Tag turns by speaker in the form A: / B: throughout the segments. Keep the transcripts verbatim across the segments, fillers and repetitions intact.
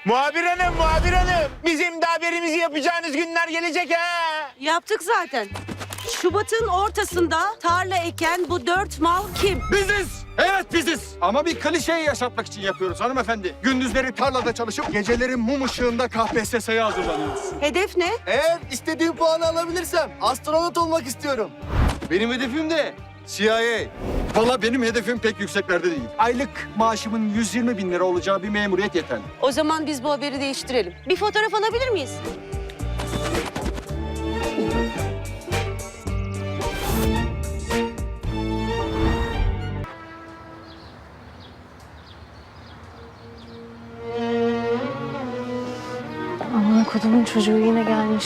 A: Muhabir hanım, muhabir hanım. Bizim de haberimizi yapacağınız günler gelecek ha.
B: Yaptık zaten. Şubat'ın ortasında tarla eken bu dört mal kim?
C: Biziz. Evet biziz. Ama bir klişeyi yaşatmak için yapıyoruz hanımefendi. Gündüzleri tarlada çalışıp geceleri mum ışığında K P S S'ye hazırlanıyoruz.
B: Hedef ne?
D: Eğer istediğim puanı alabilirsem astronot olmak istiyorum. Benim hedefim de C I A.
C: Valla benim hedefim pek yükseklerde değil. Aylık maaşımın yüz yirmi bin lira olacağı bir memuriyet yeterli.
B: O zaman biz bu haberi değiştirelim. Bir fotoğraf alabilir miyiz?
E: Aman kodumun çocuğu yine gelmiş.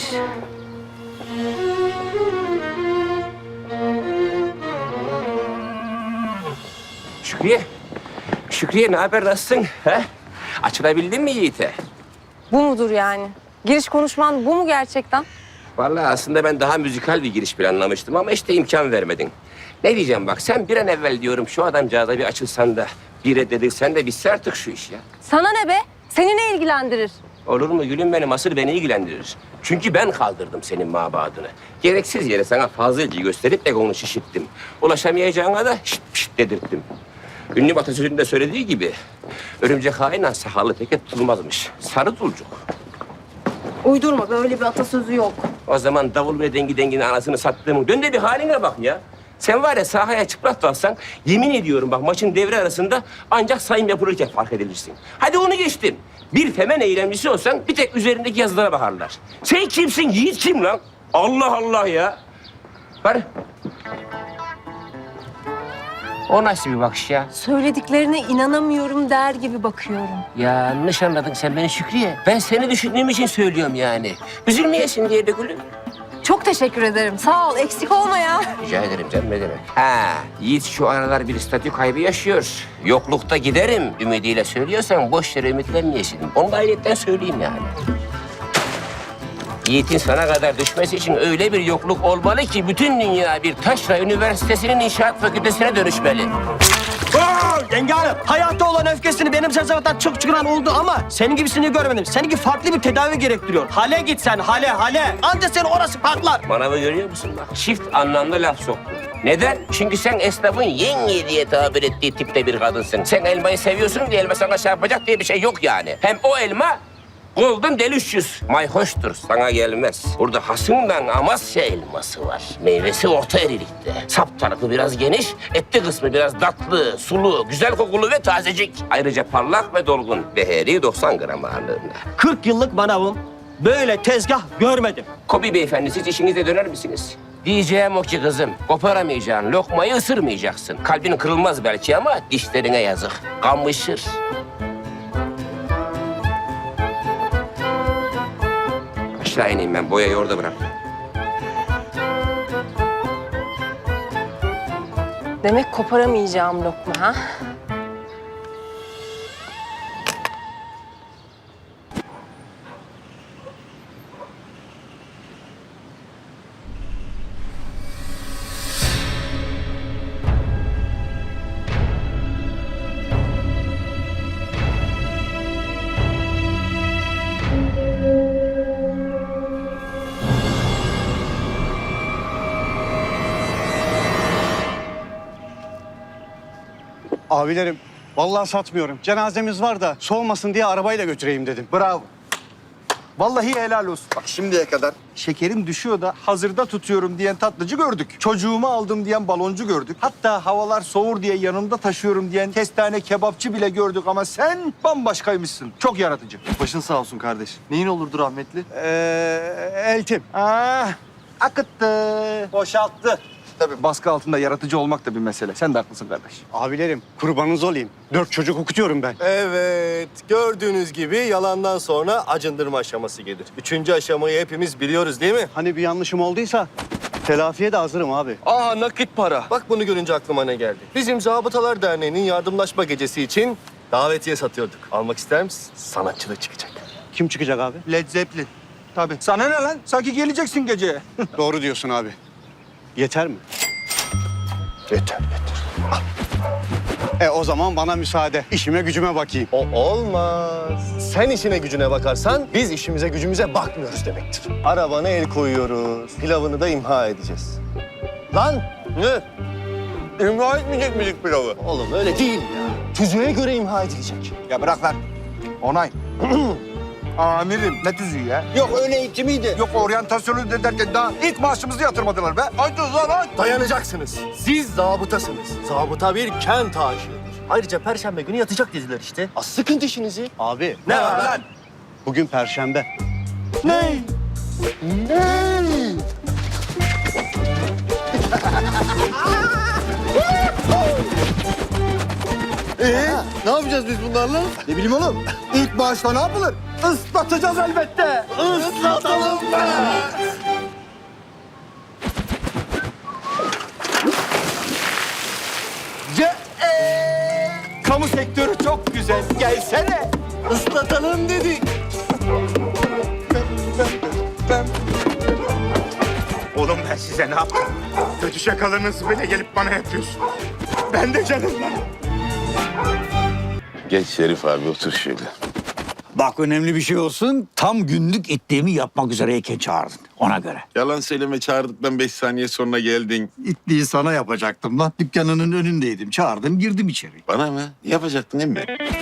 F: Şükriye. Şükriye ne haber, nasılsın? He? Açılabildin mi Yiğit'e?
E: Bu mudur yani? Giriş konuşman bu mu gerçekten?
F: Vallahi aslında ben daha müzikal bir giriş planlamıştım ama işte imkan vermedin. Ne diyeceğim bak, sen bir an evvel diyorum şu adamcağıza bir açılsan da bir reddedilsen de bitse artık şu iş ya.
E: Sana ne be? Seni ne ilgilendirir?
F: Olur mu gülüm benim, asıl beni ilgilendirir. Çünkü ben kaldırdım senin mabadını. Gereksiz yere sana fazla ilgi gösterip egonu şişirttim. Ulaşamayacağına da şşt şşt dedirttim. Ünlü atasözünde söylediği gibi örümcek hainle sahalı pek tutulmazmış. Sarı tulcuk.
E: Uydurma, böyle bir atasözü yok.
F: O zaman davul ve dengi denginin anasını sattığımın dön de bir haline bak ya. Sen var ya sahaya çıplak dalsan yemin ediyorum bak maçın devre arasında ancak sayım yapılırken fark edilirsin. Hadi onu geçtim. Bir femen eylemcisi olsan bir tek üzerindeki yazılara bakarlar. Sen kimsin? Yiğit kim lan? Allah Allah ya. Var. O nasıl bir bakış ya?
E: Söylediklerine inanamıyorum der gibi bakıyorum.
F: Yanlış anladın sen beni Şükriye. Ben seni düşündüğüm için söylüyorum yani. Üzülmeyesin diye de gülüm.
E: Çok teşekkür ederim. Sağ ol, eksik olma ya.
F: Rica ederim canım, ne demek? Ha, Yiğit şu aralar bir statü kaybı yaşıyor. Yoklukta giderim ümidiyle söylüyorsan boş yere ümitlenmeyesin. Onu da ayrıyetten söyleyeyim yani. Yiğit'in sana kadar düşmesi için öyle bir yokluk olmalı ki bütün dünya bir taşra üniversitesinin inşaat fakültesine dönüşmeli.
G: Oo, yenge hanım, hayatta olan öfkesini benim sezavatan çok çıkaran oldu ama senin gibisini görmedim. Seninki farklı bir tedavi gerektiriyor. Hale git sen, hale, hale. Anca senin orası patlar.
F: Manavı görüyor musun bak? Çift anlamlı laf soktun. Neden? Çünkü sen esnafın yenge diye tabir ettiği tipte bir kadınsın. Sen elmayı seviyorsun diye elma sana çarpacak diye bir şey yok yani. Hem o elma Golden Delicious. Mayhoştur, sana gelmez. Burada hasımdan Amasya elması var. Meyvesi orta erilikte. Sap tarafı biraz geniş, etli kısmı biraz tatlı, sulu, güzel kokulu ve tazecik. Ayrıca parlak ve dolgun. Beheri doksan gram ağırlığında.
G: kırk yıllık manavım. Böyle tezgah görmedim.
F: Kobi beyefendi, siz işinize döner misiniz? Diyeceğim o ki kızım, koparamayacağın lokmayı ısırmayacaksın. Kalbin kırılmaz belki ama dişlerine yazık. Kamışır. Aşağı ineyim ben, boyayı orada bırak.
E: Demek koparamayacağım lokma ha?
H: Abilerim, vallahi satmıyorum. Cenazemiz var da soğumasın diye arabayla götüreyim dedim.
C: Bravo. Vallahi helal olsun. Bak şimdiye kadar şekerim düşüyor da hazırda tutuyorum diyen tatlıcı gördük. Çocuğumu aldım diyen baloncu gördük. Hatta havalar soğur diye yanımda taşıyorum diyen kestane kebapçı bile gördük ama sen bambaşkaymışsın. Çok yaratıcı.
D: Başın sağ olsun kardeş. Neyin olurdu rahmetli?
H: Ee, eltim.
C: Ah, akıttı. Boşalttı. Tabii baskı altında yaratıcı olmak da bir mesele. Sen de haklısın kardeş.
H: Abilerim, kurbanınız olayım. Dört çocuk okutuyorum ben.
D: Evet, gördüğünüz gibi yalandan sonra acındırma aşaması gelir. Üçüncü aşamayı hepimiz biliyoruz değil mi?
H: Hani bir yanlışım olduysa telafiye de hazırım abi.
D: Aa, nakit para. Bak bunu görünce aklıma ne geldi? Bizim Zabıtalar Derneği'nin yardımlaşma gecesi için davetiye satıyorduk. Almak ister misin? Sanatçı da çıkacak.
H: Kim çıkacak abi?
C: Led Zeppelin. Tabii. Sana ne lan? Sanki geleceksin geceye.
H: Doğru diyorsun abi. Yeter mi?
D: Yeter, yeter. Al.
H: E o zaman bana müsaade. İşime gücüme bakayım.
D: O olmaz. Sen işine gücüne bakarsan biz işimize gücümüze bakmıyoruz demektir. Arabana el koyuyoruz. Pilavını da imha edeceğiz. Lan ne?
A: İmha etmeyecek miydik pilavı?
D: Oğlum öyle değil ya. Tüzüğe göre imha edilecek.
C: Ya bırak lan. Onay. Amirim ne tüzüğü ya? Yok öyle eğitimiydi. Yok oryantasyonu de derken daha ilk maaşımızı yatırmadılar be. Hadi o zaman.
D: Dayanacaksınız. Siz zabıtasınız. Zabıta bir kent aşığıdır. Ayrıca perşembe günü yatacak dediler işte. Az sıkın dişinizi.
H: Abi
D: Ne var lan?
H: bugün perşembe.
D: Ne?
C: Ee, ne yapacağız biz bunlarla? Ne bileyim oğlum. İlk maaşla ne yapılır? Islatacağız elbette. Islatalım be. Ce ee, kamu sektörü çok güzel. Gelsene. Islatalım dedik.
A: Oğlum ben size ne yaptım? Kötü şakalarınızı bile gelip bana yapıyorsun. Ben de canım lan.
I: Geç Şerif abi otur şöyle.
J: Bak önemli bir şey olsun. Tam günlük itliğimi yapmak üzereyken çağırdın. Ona göre.
I: Yalan söyleme çağırdıktan beş saniye sonra geldin.
J: İtliği sana yapacaktım lan. Dükkanının önündeydim. Çağırdım girdim içeri.
I: Bana mı? Yapacaktın değil mi?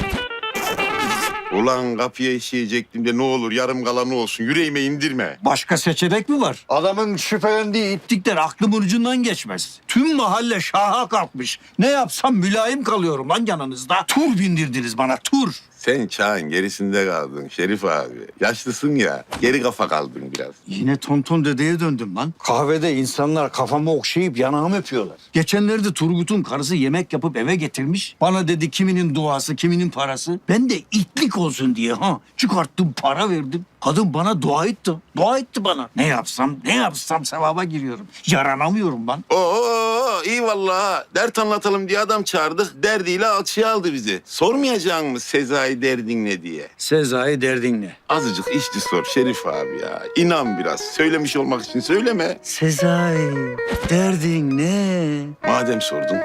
I: Ulan kapıya işeyecektim de ne olur yarım kalanı olsun. Yüreğime indirme.
J: Başka seçenek mi var? Adamın şüphelendiği itlikler aklımın ucundan geçmez. Tüm mahalle şaha kalkmış. Ne yapsam mülayim kalıyorum lan yanınızda. Tur bindirdiniz bana tur.
I: Sen çağın gerisinde kaldın Şerif abi. Yaşlısın ya. Geri kafa kaldın biraz.
J: Yine tonton dedeye döndüm lan. Kahvede insanlar kafamı okşayıp yanağımı öpüyorlar. Geçenlerde Turgut'un karısı yemek yapıp eve getirmiş. Bana dedi kiminin duası, kiminin parası. Ben de itlik olsun diye ha çıkarttım para verdim. Kadın bana dua etti. Dua etti bana. Ne yapsam, ne yapsam sevaba giriyorum. Yaranamıyorum ben.
I: Oo iyi vallahi. Dert anlatalım diye adam çağırdık. Derdiyle alçıya aldı bizi. Sormayacak mı Sezai derdin ne diye?
J: Sezai derdin ne?
I: Azıcık işçi sor Şerif abi ya. İnan biraz. Söylemiş olmak için söyleme.
J: Sezai derdin ne?
I: Madem sordun.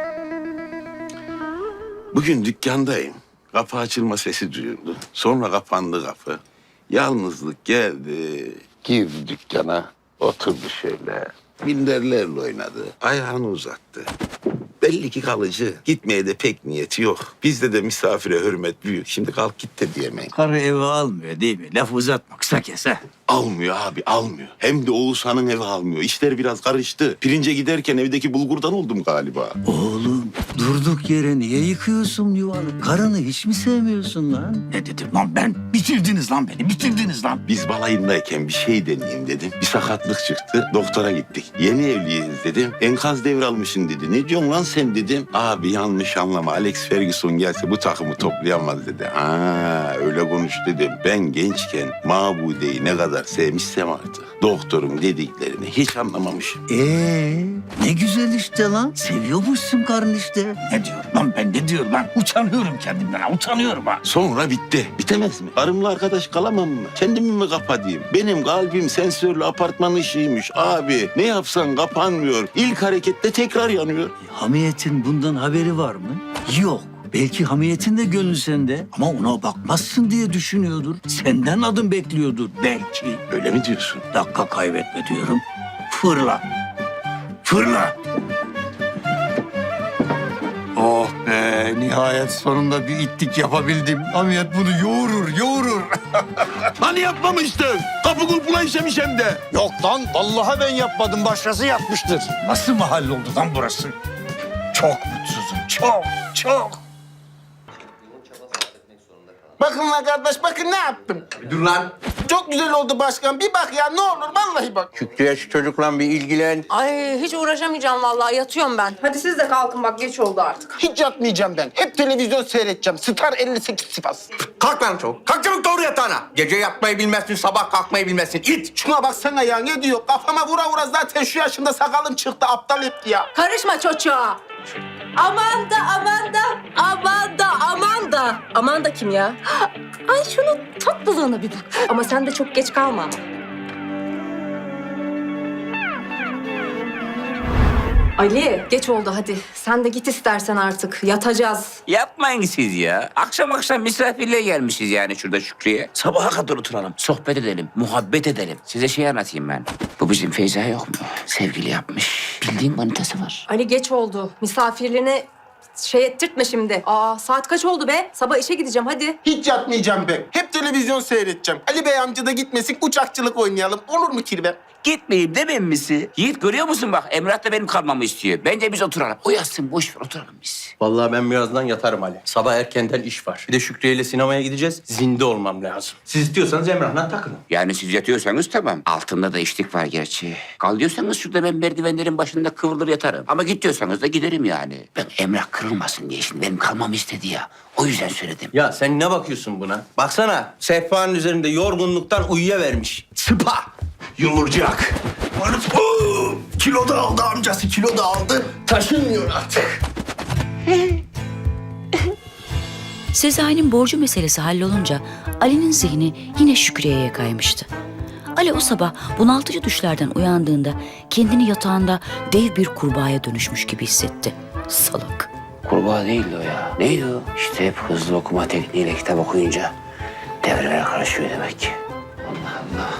I: Bugün dükkandayım. Kapı açılma sesi duyuldu. Sonra kapandı kapı. Yalnızlık geldi. Girdi dükkana. Oturdu şöyle. Minderlerle oynadı. Ayağını uzattı. Belli ki kalıcı. Gitmeye de pek niyeti yok. Bizde de misafire hürmet büyük. Şimdi kalk git de diyemeyin.
J: Karı eve almıyor değil mi? Laf uzatma kısa kes ha.
I: Almıyor abi almıyor. Hem de Oğuzhan'ın evi almıyor. İşler biraz karıştı. Pirince giderken evdeki bulgurdan oldum galiba.
J: Oğlum durduk yere niye yıkıyorsun yuvanı? Karını hiç mi sevmiyorsun lan? Ne dedim lan ben? Bitirdiniz lan beni, bitirdiniz lan.
I: Biz balayındayken bir şey deneyeyim dedim. Bir sakatlık çıktı. Doktora gittik. Yeni evliyiz dedim. Enkaz devralmışsın dedi. Ne diyorsun lan sen dedim. Abi yanlış anlama. Alex Ferguson gelse bu takımı toplayamaz dedi. Ha öyle konuş dedim. Ben gençken Mabude'yi ne kadar sevmişsem artık. Doktorun dediklerini hiç anlamamışım.
J: Ee, ne güzel işte lan. Seviyormuşsun karın işte. Ne diyorum lan ben ne diyorum lan? Utanıyorum kendimden ha, utanıyorum ha.
I: Sonra bitti. Bitemez mi? Karımla arkadaş kalamam mı? Kendimi mi kapatayım? Benim kalbim sensörlü apartman ışığıymış abi. Ne yapsan kapanmıyor. İlk harekette tekrar yanıyor.
J: Hamiyetin bundan haberi var mı? Yok. Belki hamiyetin de gönlü sende ama ona bakmazsın diye düşünüyordur. Senden adım bekliyordur belki.
I: Öyle mi diyorsun?
J: Dakika kaybetme diyorum. Fırla. Fırla. Oh be nihayet sonunda bir itlik yapabildim. Hamiyet bunu yoğurur yoğurur.
I: Hani yapmamıştın? Kapı kulpuna işemiş hem de.
J: Yok lan vallahi ben yapmadım başkası yapmıştır. Nasıl mahalle oldu lan burası? Çok mutsuzum çok çok.
K: Bakın lan kardeş, bakın ne yaptım.
A: Dur lan.
K: Çok güzel oldu başkan. Bir bak ya, ne olur vallahi bak.
A: Şükrü'ye şu çocukla bir ilgilen.
E: Ay hiç uğraşamayacağım vallahi yatıyorum ben. Hadi siz de kalkın bak geç oldu artık.
K: Hiç yatmayacağım ben. Hep televizyon seyredeceğim. Star elli sekiz Sivas.
A: Kalk lan çabuk. Kalk çabuk doğru yatağına. Gece yatmayı bilmezsin, sabah kalkmayı bilmezsin. İt.
K: Şuna baksana ya, ne diyor? Kafama vura vura zaten şu yaşımda sakalım çıktı. Aptal etti ya.
E: Karışma çocuğa. Aman da aman da aman da aman da. Aman da kim ya? Ay şunun tatlılığına bir bak. Ama sen de çok geç kalma ama. Ali geç oldu hadi. Sen de git istersen artık. Yatacağız.
F: Yapmayın siz ya. Akşam akşam misafirliğe gelmişiz yani şurada Şükrü'ye. Sabaha kadar oturalım, sohbet edelim, muhabbet edelim. Size şey anlatayım ben. Bu bizim Feyza yok mu? Sevgili yapmış. Bildiğin manitası var.
E: Ali geç oldu. Misafirliğini şey ettirtme şimdi. Aa saat kaç oldu be? Sabah işe gideceğim hadi.
K: Hiç yatmayacağım ben. Hep televizyon seyredeceğim. Ali Bey amca da gitmesin, uçakçılık oynayalım. Olur mu Kirve?
F: Gitmeyeyim demem misi? Yiğit görüyor musun bak Emrah da benim kalmamı istiyor. Bence biz oturalım. O yatsın boş ver oturalım biz.
G: Vallahi ben birazdan yatarım Ali. Sabah erkenden iş var. Bir de Şükrü ile sinemaya gideceğiz. Zinde olmam lazım. Siz istiyorsanız Emrah'la takılın.
F: Yani siz yatıyorsanız tamam. Altında da içlik var gerçi. Kal diyorsanız şurada ben merdivenlerin başında kıvrılır yatarım. Ama git diyorsanız da giderim yani. Ben Emrah kırılmasın diye şimdi benim kalmamı istedi ya. O yüzden söyledim.
G: Ya sen ne bakıyorsun buna? Baksana sehpanın üzerinde yorgunluktan uyuyavermiş. Sıpa! Yumurcak. Oo, kilo da aldı amcası, kilo da aldı. Taşınmıyor artık.
L: Sezai'nin borcu meselesi hallolunca Ali'nin zihni yine Şükriye'ye kaymıştı. Ali o sabah bunaltıcı düşlerden uyandığında kendini yatağında dev bir kurbağaya dönüşmüş gibi hissetti. Salak.
F: Kurbağa değildi o ya. Neydi o? İşte hep hızlı okuma tekniğiyle kitap okuyunca devreler karışıyor demek ki. Allah Allah.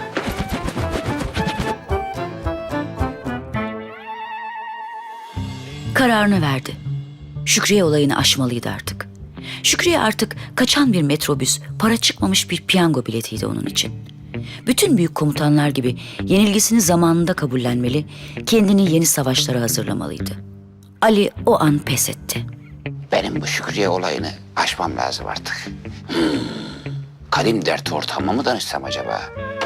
L: Kararını verdi. Şükriye olayını aşmalıydı artık. Şükriye artık kaçan bir metrobüs, para çıkmamış bir piyango biletiydi onun için. Bütün büyük komutanlar gibi yenilgisini zamanında kabullenmeli, kendini yeni savaşlara hazırlamalıydı. Ali o an pes etti.
F: Benim bu Şükriye olayını aşmam lazım artık. Hmm. Kadim dert ortağıma mı danışsam acaba?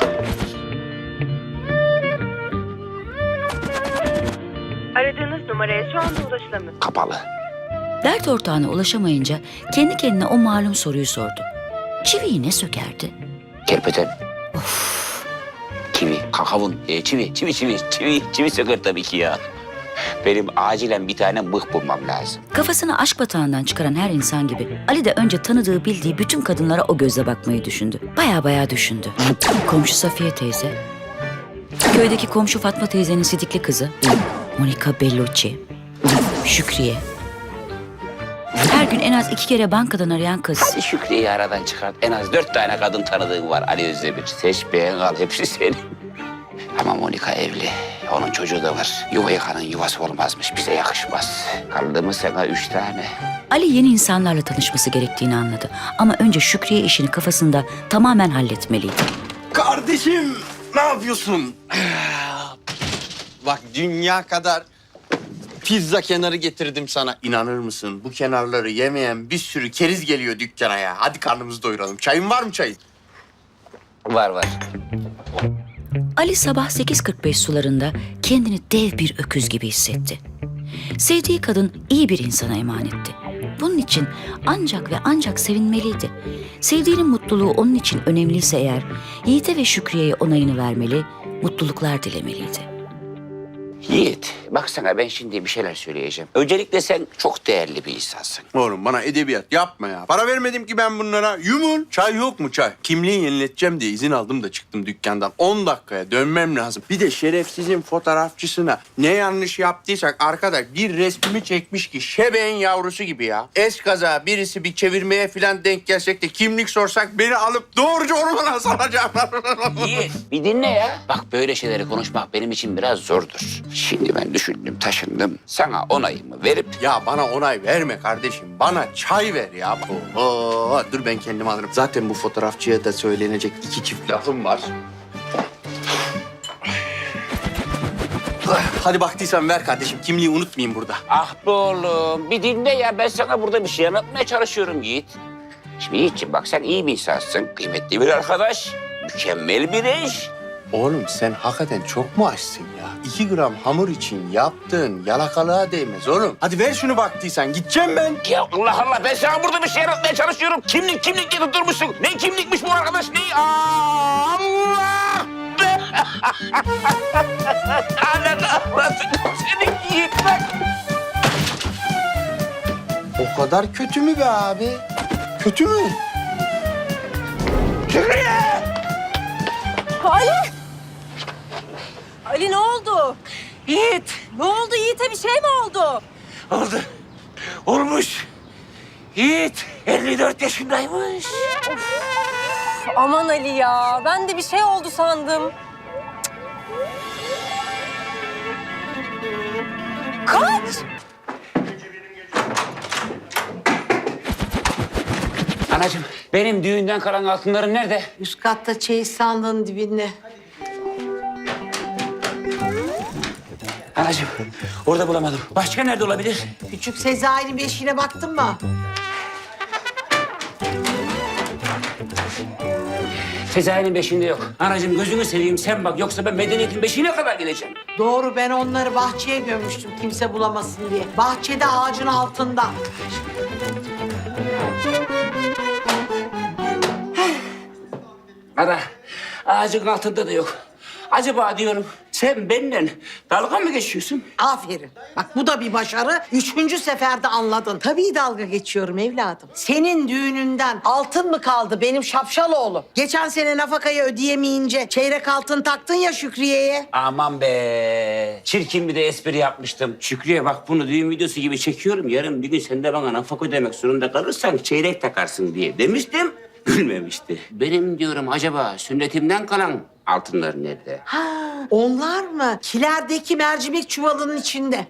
B: Aradığınız numaraya şu anda ulaşılamıyor.
F: Kapalı.
L: Dert ortağına ulaşamayınca kendi kendine o malum soruyu sordu. Çiviyi ne sökerdi?
F: Kerpeten. Çivi, kakavun, e, çivi, çivi, çivi, çivi, çivi söker tabii ki ya. Benim acilen bir tane mıh bulmam lazım.
L: Kafasını aşk batağından çıkaran her insan gibi Ali de önce tanıdığı bildiği bütün kadınlara o gözle bakmayı düşündü. Baya baya düşündü. Komşu Safiye teyze, köydeki komşu Fatma teyzenin sidikli kızı Monica Bellucci, Şükriye. Her gün en az iki kere bankadan arayan kız.
F: Hadi Şükriye'yi aradan çıkart. En az dört tane kadın tanıdığın var Ali Özdemir. Seç beğen al hepsi senin. Ama Monika evli. Onun çocuğu da var. Yuva yıkanın yuvası olmazmış. Bize yakışmaz. Kaldı mı sana üç tane?
L: Ali yeni insanlarla tanışması gerektiğini anladı. Ama önce Şükriye işini kafasında tamamen halletmeliydi.
G: Kardeşim ne yapıyorsun? Bak dünya kadar pizza kenarı getirdim sana. İnanır mısın? Bu kenarları yemeyen bir sürü keriz geliyor dükkana ya. Hadi karnımızı doyuralım. Çayın var mı çayın?
F: Var var.
L: Ali sabah sekiz kırk beş sularında kendini dev bir öküz gibi hissetti. Sevdiği kadın iyi bir insana emanetti. Bunun için ancak ve ancak sevinmeliydi. Sevdiğinin mutluluğu onun için önemliyse eğer, Yiğit'e ve Şükriye'ye onayını vermeli, mutluluklar dilemeliydi.
F: Yiğit, bak sana ben şimdi bir şeyler söyleyeceğim. Öncelikle sen çok değerli bir insansın.
G: Oğlum bana edebiyat yapma ya. Para vermedim ki ben bunlara. Yumul. Çay yok mu çay? Kimliği yenileteceğim diye izin aldım da çıktım dükkandan. on dakikaya dönmem lazım. Bir de şerefsizin fotoğrafçısına ne yanlış yaptıysak arkadaş bir resmimi çekmiş ki şebeğin yavrusu gibi ya. Eskaza birisi bir çevirmeye falan denk gelsek de kimlik sorsak beni alıp doğruca ormana salacaklar.
F: Yiğit, bir dinle ya. Bak böyle şeyleri konuşmak benim için biraz zordur. Şimdi ben düşündüm, taşındım. Sana onayımı verip...
G: Ya bana onay verme kardeşim. Bana çay ver ya. Oo, dur ben kendim alırım. Zaten bu fotoğrafçıya da söylenecek iki çift lafım var. Hadi baktıysan ver kardeşim. Kimliği unutmayayım burada.
F: Ah be oğlum, bir dinle ya. Ben sana burada bir şey anlatmaya çalışıyorum Yiğit. Şimdi Yiğit'ciğim bak sen iyi bir insansın. Kıymetli bir arkadaş. Mükemmel bir eş.
G: Oğlum sen hakikaten çok mu açsın ya? İki gram hamur için yaptığın yalakalığa değmez oğlum. Hadi ver şunu baktıysan. Gideceğim ben.
F: Ya Allah Allah ben sana burada bir şey anlatmaya çalışıyorum. Kimlik kimlik diye tutturmuşsun. Ne kimlikmiş bu arkadaş ne? Aa, Allah! Ananı avradını seni Yiğit bak.
G: O kadar kötü mü be abi? Kötü mü?
B: Ali! Ali ne oldu?
F: Yiğit.
E: Ne oldu Yiğit'e bir şey mi oldu?
F: Oldu. Olmuş. Yiğit elli dört yaşındaymış.
E: Aman Ali ya, ben de bir şey oldu sandım. Kaç!
F: Anacığım benim düğünden kalan altınlarım nerede?
B: Üst katta çeyiz sandığın dibinde.
F: Anacığım orada bulamadım. Başka nerede olabilir?
B: Küçük Sezai'nin beşiğine baktın mı?
F: Sezai'nin beşiğinde yok. Anacığım gözünü seveyim sen bak. Yoksa ben medeniyetin beşiğine kadar gideceğim.
B: Doğru, ben onları bahçeye gömmüştüm kimse bulamasın diye. Bahçede ağacın altında.
F: Ana ağacın altında da yok. Acaba diyorum sen benimle dalga mı geçiyorsun?
B: Aferin. Bak bu da bir başarı. Üçüncü seferde anladın. Tabii dalga geçiyorum evladım. Senin düğününden altın mı kaldı benim şapşal oğlum? Geçen sene nafakayı ödeyemeyince çeyrek altın taktın ya Şükriye'ye.
F: Aman be. Çirkin bir de espri yapmıştım. Şükrü'ye bak bunu düğün videosu gibi çekiyorum. Yarın bir gün sen de bana nafaka ödemek zorunda kalırsan çeyrek takarsın diye demiştim. Gülmemişti. Benim diyorum acaba sünnetimden kalan altınlar nerede?
B: Ha, onlar mı? Kilerdeki mercimek çuvalının içinde.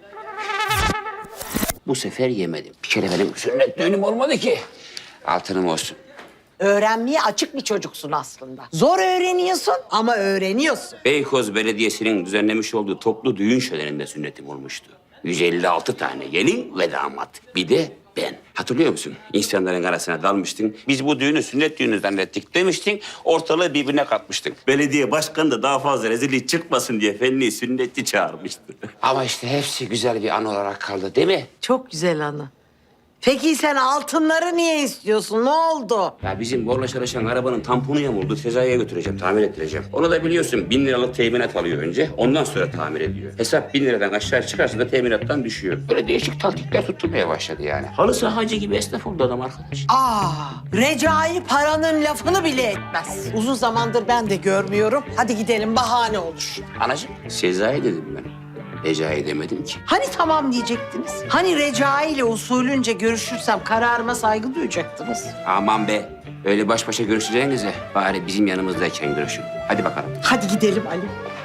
F: Bu sefer yemedim. Bir kere benim sünnet düğünüm olmadı ki. Altınım olsun.
B: Öğrenmeye açık bir çocuksun aslında. Zor öğreniyorsun ama öğreniyorsun.
F: Beykoz Belediyesi'nin düzenlemiş olduğu toplu düğün şöleninde sünnetim olmuştu. yüz elli altı tane gelin ve damat. Bir de ben. Hatırlıyor musun? İnsanların arasına dalmıştın. Biz bu düğünü sünnet düğünü zannettik demiştin. Ortalığı birbirine katmıştın. Belediye başkanı da daha fazla rezillik çıkmasın diye fenli sünnetçi çağırmıştı. Ama işte hepsi güzel bir an olarak kaldı değil mi?
B: Çok güzel anı. Peki sen altınları niye istiyorsun? Ne oldu?
F: Ya bizim borla çalışan arabanın tamponu yamuldu. Sezai'ye götüreceğim, tamir ettireceğim. Onu da biliyorsun bin liralık teminat alıyor önce. Ondan sonra tamir ediyor. Hesap bin liradan aşağı çıkarsa da teminattan düşüyor. Böyle değişik taktikler tutturmaya başladı yani. Halı sahacı gibi esnaf oldu adam arkadaş.
B: Aa, Recai paranın lafını bile etmez. Uzun zamandır ben de görmüyorum. Hadi gidelim, bahane olur.
F: Anacığım, Sezai dedim ben. Recai demedim ki.
B: Hani tamam diyecektiniz? Hani Recai ile usulünce görüşürsem kararıma saygı duyacaktınız?
F: Aman be. Öyle baş başa görüşeceğinize bari bizim yanımızdayken görüşün. Hadi bakalım.
B: Hadi gidelim Ali.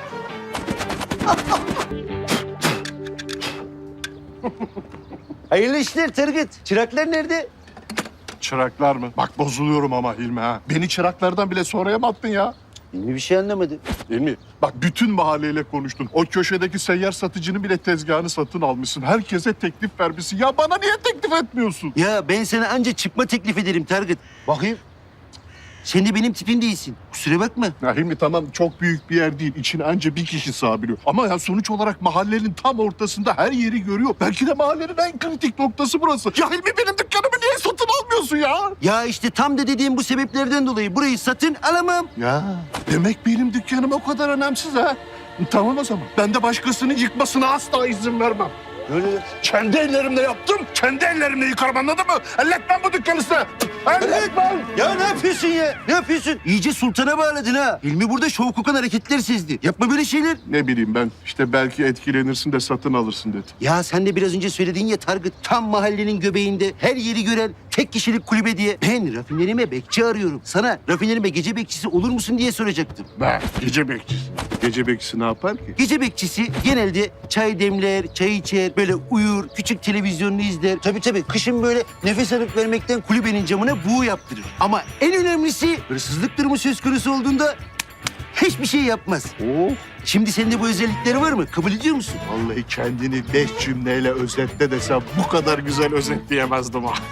C: Hayırlı işler Turgut. Çıraklar nerede?
K: Çıraklar mı? Bak bozuluyorum ama Hilmi ha. Beni çıraklardan bile sonraya mı attın ya?
C: Hilmi bir şey anlamadı.
K: Hilmi bak bütün mahalleyle konuştun. O köşedeki seyyar satıcının bile tezgahını satın almışsın. Herkese teklif vermişsin. Ya bana niye teklif etmiyorsun?
C: Ya ben sana anca çıkma teklif ederim Turgut. Bakayım. Sen de benim tipim değilsin. Kusura bakma.
K: Ya Hilmi tamam çok büyük bir yer değil. İçine anca bir kişi sığabiliyor. Ama ya sonuç olarak mahallenin tam ortasında her yeri görüyor. Belki de mahallenin en kritik noktası burası. Ya Hilmi benim dükkanımı niye satın almıyorsun ya?
C: Ya işte tam da dediğim bu sebeplerden dolayı burayı satın alamam.
K: Ya demek benim dükkanım o kadar önemsiz ha. Tamam o zaman. Ben de başkasının yıkmasına asla izin vermem.
C: Öyle.
K: Kendi ellerimle yaptım, kendi ellerimle yıkarım anladın mı? Elletmem bu dükkanı size. Elletmem.
C: Ya ne yapıyorsun ya? Ne yapıyorsun? İyice sultana bağladın ha. Hilmi burada şov kokan hareketler sezdi. Yapma böyle şeyler.
K: Ne bileyim ben işte belki etkilenirsin de satın alırsın dedi.
C: Ya sen de biraz önce söyledin ya Targıt, tam mahallenin göbeğinde her yeri gören tek kişilik kulübe diye. Ben rafinerime bekçi arıyorum. Sana rafinerime gece bekçisi olur musun diye soracaktım.
K: Ben gece bekçisi. Gece bekçisi ne yapar ki?
C: Gece bekçisi genelde çay demler, çay içer, böyle uyur, küçük televizyonunu izler. Tabii tabii kışın böyle nefes alıp vermekten kulübenin camına buğu yaptırır. Ama en önemlisi hırsızlık durumu söz konusu olduğunda hiçbir şey yapmaz.
K: Oh.
C: Şimdi sende bu özellikleri var mı? Kabul ediyor musun?
K: Vallahi kendini beş cümleyle özetle desem bu kadar güzel özetleyemezdim ha.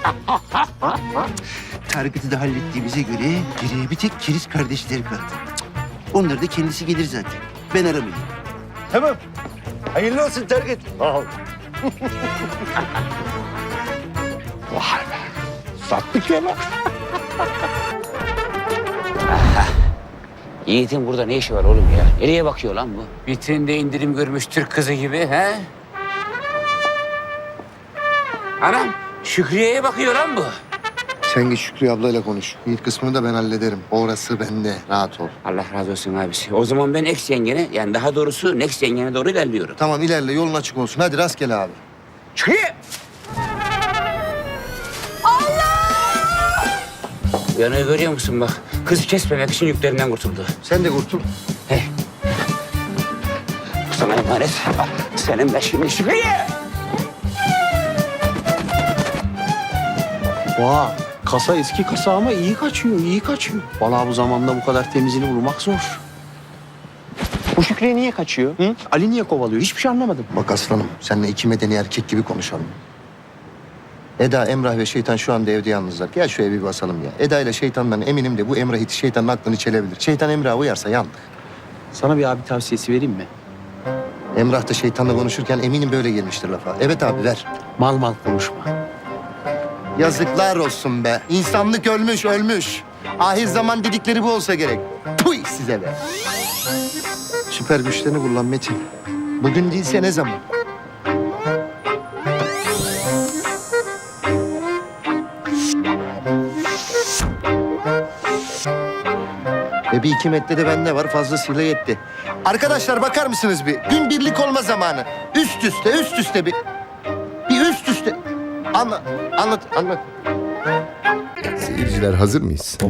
C: Tarık'ı da hallettiğimize göre geriye bir tek Keriz kardeşleri kaldı. Onlar da kendisi gelir zaten. Ben aramayayım. Tamam. Hayırlı olsun Tarık.
K: Vay be. Sattık ya lan.
F: Yiğit'in burada ne işi var oğlum ya? Nereye bakıyor lan bu? Vitrinde indirim görmüş Türk kızı gibi he? Anam Şükriye'ye bakıyor lan bu.
D: Sen git Şükrü ablayla konuş. İlk kısmını da ben hallederim. Orası bende. Rahat ol.
F: Allah razı olsun abisi. O zaman ben ex yengene, yani daha doğrusu next yengene doğru ilerliyorum.
D: Tamam ilerle yolun açık olsun. Hadi rastgele abi.
F: Çıkayım. Uyanığı görüyor musun bak? Kız kesmemek için yüklerinden kurtuldu.
D: Sen de kurtul.
F: Bu sana emanet. Senin de şimdi Şükrü'ye.
G: Vay, kasa eski kasa ama iyi kaçıyor, iyi kaçıyor. Vallahi bu zamanda bu kadar temizini bulmak zor. Bu Şükrü'ye niye kaçıyor? Hı? Ali niye kovalıyor? Hiçbir şey anlamadım.
D: Bak aslanım, seninle iki medeni erkek gibi konuşalım. Eda, Emrah ve Şeytan şu anda evde yalnızlar. Gel şu evi bir basalım ya. Eda ile Şeytan'dan eminim de bu Emrah iti Şeytan'ın aklını çelebilir. Şeytan Emrah'a uyarsa yandık.
G: Sana bir abi tavsiyesi vereyim mi?
D: Emrah da Şeytan'la konuşurken eminim böyle gelmiştir lafa. Evet abi ver.
G: Mal mal konuşma.
D: Yazıklar olsun be. İnsanlık ölmüş, ölmüş. Ahir zaman dedikleri bu olsa gerek. Puy size be. Süper güçlerini kullan Metin. Bugün değilse ne zaman? Ve bir iki metre de bende var. Fazlasıyla yetti. Arkadaşlar bakar mısınız bir? Gün birlik olma zamanı. Üst üste, üst üste bir... Bir üst üste... Anlat, anlat, anlat. Seyirciler hazır mıyız?